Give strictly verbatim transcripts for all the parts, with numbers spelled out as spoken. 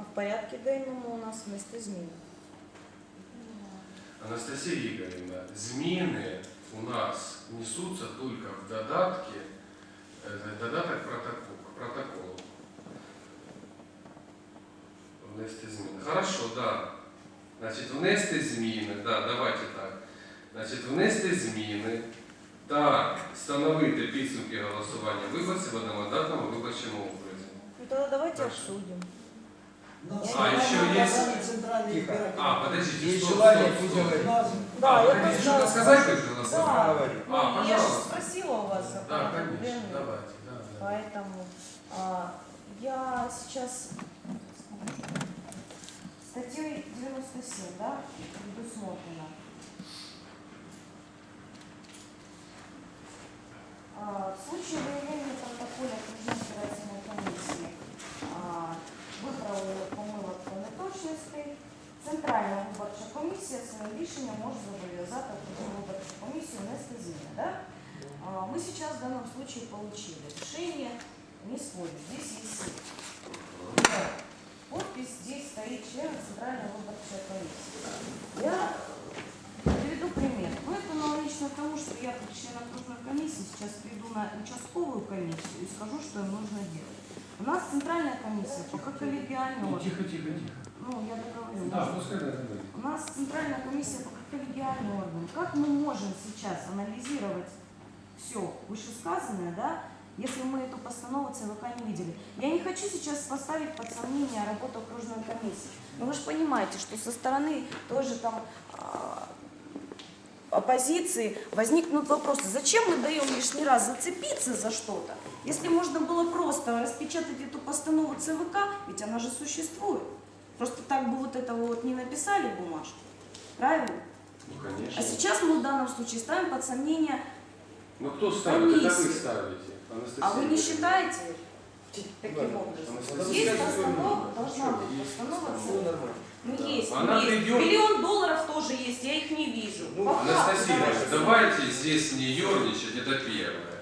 в порядке денному у нас вместо змін. Анастасия Игоревна, зміни у нас несутся только в додатке, э, додаток протокол, к протоколу. Внести зміни. Хорошо, да. Значить, внести зміни, да, давайте так. Значить, внести зміни та встановити підсумки голосування виборців в одномандатному виборчому окрузі. Ну тогда давайте Хорошо. обсудим. А, еще есть... Тихо. А, подождите, Есть стоп, желание стоп, стоп. выделать. Да, А, я вы хотите что-то просто- сказать при голосовании? Да. Говори. Ну, А, я же пожалуйста. спросила у вас за Да, порядок конечно, денный, давайте, да, да. поэтому а, я сейчас статьей девяносто семь, да, предусмотрено. А, в случае выявления в протоколе окружной избирательной комиссии а, виправлених помилок та неточностей, Центральна виборча комісія своїм рішенням може зобов'язати окружну виборчу комісію внести зміни. Да? А, мы сейчас в данном случае получили решение не спорить. Здесь есть да, подпись, здесь стоит член Центральной выборчей комиссии. Я приведу пример. Ну, это аналогично тому, что я как член окружной комиссии сейчас приду на участковую комиссию и скажу, что им нужно делать. У нас центральная комиссия пока коллегиальный орган. Тихо, тихо, тихо. Ну, я договорю. Да, пускай это будет. У нас центральная комиссия пока коллегиальный орган. Как мы можем сейчас анализировать все вышесказанное, да, если мы эту постанову ЦВК не видели? Я не хочу сейчас поставить под сомнение работу окружной комиссии. Но вы же понимаете, что со стороны тоже там а, оппозиции возникнут вопросы. Зачем мы даем лишний раз зацепиться за что-то, если можно было просто распечатать эту постанову ЦВК, ведь она же существует. Просто так бы вот это вот не написали в бумажке. Правильно? Ну, конечно. А сейчас мы в данном случае ставим под сомнение. Ну, кто ставит? Это вы комиссию. ставите. Анастасия А вы не Игоревна. считаете таким Да. образом? Анастасия Есть Игоревна. постанова, должна Что, быть есть постанова постанова. ЦВК. Ну Да. есть, Она есть. придет- Миллион долларов тоже есть, я их не вижу. Ну, По факту Анастасия давайте Игоревна, давайте здесь не ерничать, это первое.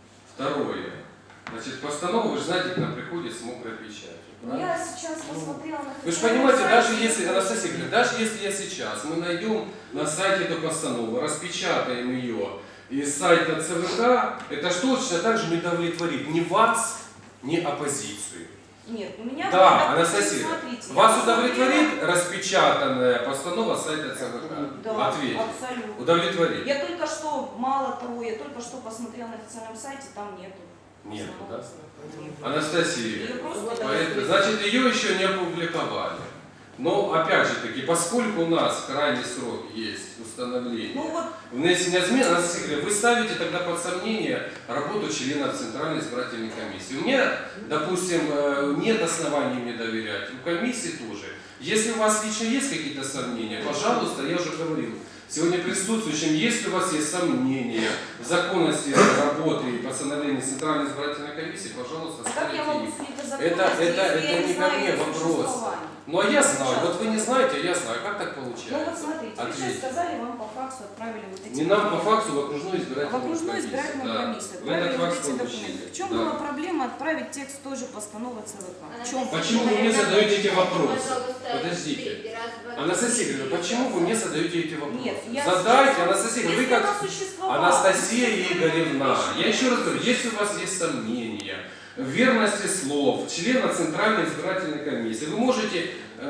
Второе. Значит, постанова, вы же знаете, к нам приходит с мокрой печатью. Ну, правильно? я сейчас посмотрела на... Вы же понимаете, даже если, Анастасия Игоревна, даже если я сейчас, мы найдем на сайте эту постанову, распечатаем ее из сайта ЦВК, это ж точно так же не удовлетворит ни вас, ни оппозицию. Нет, у меня... Да, допустим, Анастасия, смотрите, я вас посмотрела- удовлетворит распечатанная постанова сайта ЦВК? Да, Ответьте. абсолютно. Удовлетворит? Я только что, мало того, я только что посмотрела на официальном сайте, там нету. Нету, да? Нет. Анастасия, Её просто поэтому- значит, ее еще не опубликовали. Но, опять же таки, поскольку у нас крайний срок есть установление Ну вот, внесения измен, Анастасия Игоревна, вы ставите тогда под сомнение работу членов Центральной избирательной комиссии. У меня, допустим, э, нет оснований мне доверять, у комиссии тоже. Если у вас лично есть какие-то сомнения, пожалуйста, я уже говорил, сегодня присутствующим, если у вас есть сомнения в законности работы и постановления Центральной избирательной комиссии, пожалуйста, а как я могу ставите их. судить о Это- законности, это- если это я не не ко знаю мне её вопрос. существования? Ну а я знаю, вот вы не знаете, а я знаю, как так Ну вот получается? смотрите, вы Ответьте. сейчас сказали, вам по факсу отправили вот эти Не нам по документы. факсу в окружную В избирательную окружную комиссию. избирательную Да. комиссию Вы этот отправили вот факс эти получили. документы. В чем Да. была проблема отправить текст той же постановы ЦВК? В чем? Почему вы мне задаете эти вопросы? Пожалуйста, Подождите. раз, два, три, Анастасия четыре, Игоревна, почему вы мне задаете эти вопросы? Нет, я Задайте, сейчас- Анастасия Игоревна, вы Если как... она существовала, Анастасия если Игоревна, вы я еще раз говорю, если у вас есть сомнения в верности слов члена Центральной избирательной комиссии, вы можете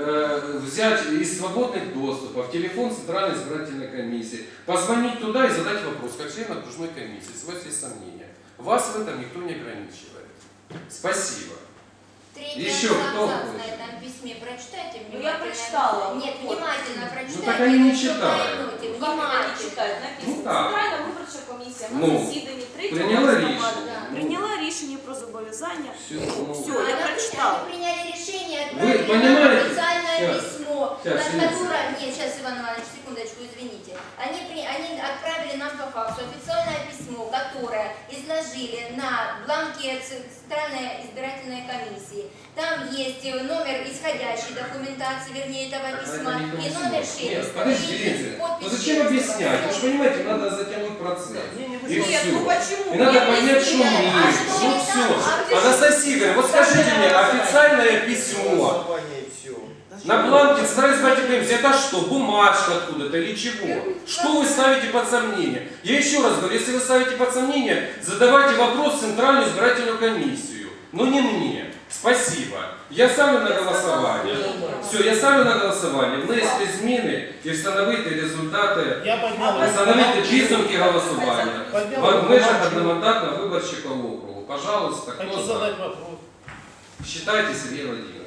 э, взять из свободных доступов телефон Центральной избирательной комиссии, позвонить туда и задать вопрос, как член окружной комиссии, если у вас есть сомнения. Вас в этом никто не ограничивает. Спасибо. Третий Еще абзац кто на хочет? этом письме прочитайте Ну, я внимательно. прочитала. Нет, Вот. внимательно прочитайте. так они не и всё читают. поймете. Ну, как они Внимательно. читають? Написано, Ну, так. Центральна виборча комісія на Ну, засіданні третього прийняла листопада рішення. Ну. прийняла рішення про зобов'язання. Все, ну, Всё. А я например, прочитала. Они приняли решение, Вы отправили понимаете? нам официальное Щас. письмо, Щас, на извините. которое... Нет, сейчас, Иван Иванович, секундочку, извините. Они, при... они отправили нам по факсу официальное письмо, которое изложили на бланке Центральной избирательной комиссии. Там есть номер исходящей документации, вернее, этого письма, Это не и номер Нет, шелеста. подождите. и подпись Ну зачем шелеста. объяснять? Вы же понимаете, надо затянуть процесс. И Нет, все. ну почему? И надо Нет, поднять если- шумиху. А что Ну это? все. А ты Анастасия Игоревна, вот скажите мне, официальное письмо. Голосование и все. На бланке Центральной избирательной комиссии это что? Бумажка откуда-то или чего? Что вы ставите под сомнение? Я еще раз говорю, если вы ставите под сомнение, задавайте вопрос в Центральную избирательную комиссию. Но не мне. Спасибо. Я ставлю на голосування. Все, я ставлю на голосування. Внести зміни і встановити результати, Я поднял. встановити підсумки голосування Поднял. в межах одномандатного виборчого округу. Пожалуйста, хто Хочу за? задать вопрос. Считайте, Сергей Владимирович.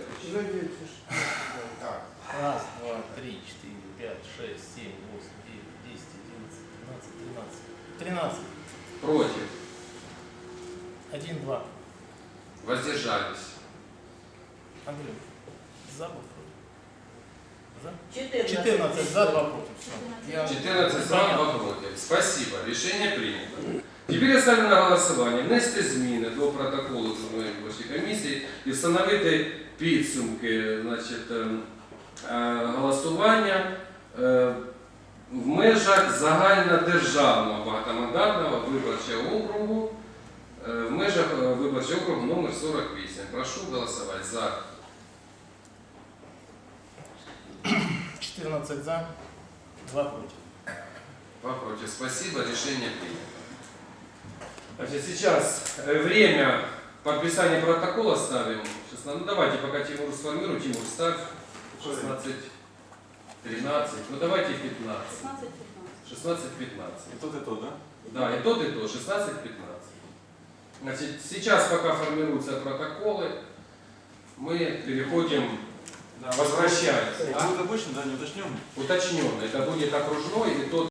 Раз, два, три, четыре, пять, шесть, семь, восемь, девять, десять, одиннадцать, двенадцать, тринадцать. Тринадцать. Против. Один, два. Воздержались. Андрей. За, два, против. За? четырнадцать. четырнадцать за, два против. Всё. Я- четырнадцать за, Понятно. два против. Спасибо. Рішення прийнято. Тепер я ставлю на голосування внести зміни до протоколу Земельної виборчої комісії і встановити підсумки, значить, е, е, голосування е, в межах загальнодержавного багатомандатного виборчого округу, е, в межах е, виборчого округу номер сорок вісім. Прошу голосувати за. четырнадцать за, два против. Два против. Спасибо. Решение принято. Значит, сейчас э, время подписания протокола ставим. шестнадцать. Ну давайте, пока Тимур сформирует. Тимур, ставь. шестнадцать, тринадцать. Ну давайте пятнадцать. шестнадцать, пятнадцать. И тот, и тот, да? Да, и тот, и тот. шестнадцать, пятнадцать. Значит, сейчас, пока формируются протоколы, мы переходим, Да, возвращаемся. Это будет обычно, да, не уточненный? Уточненно. Это будет окружной и тот.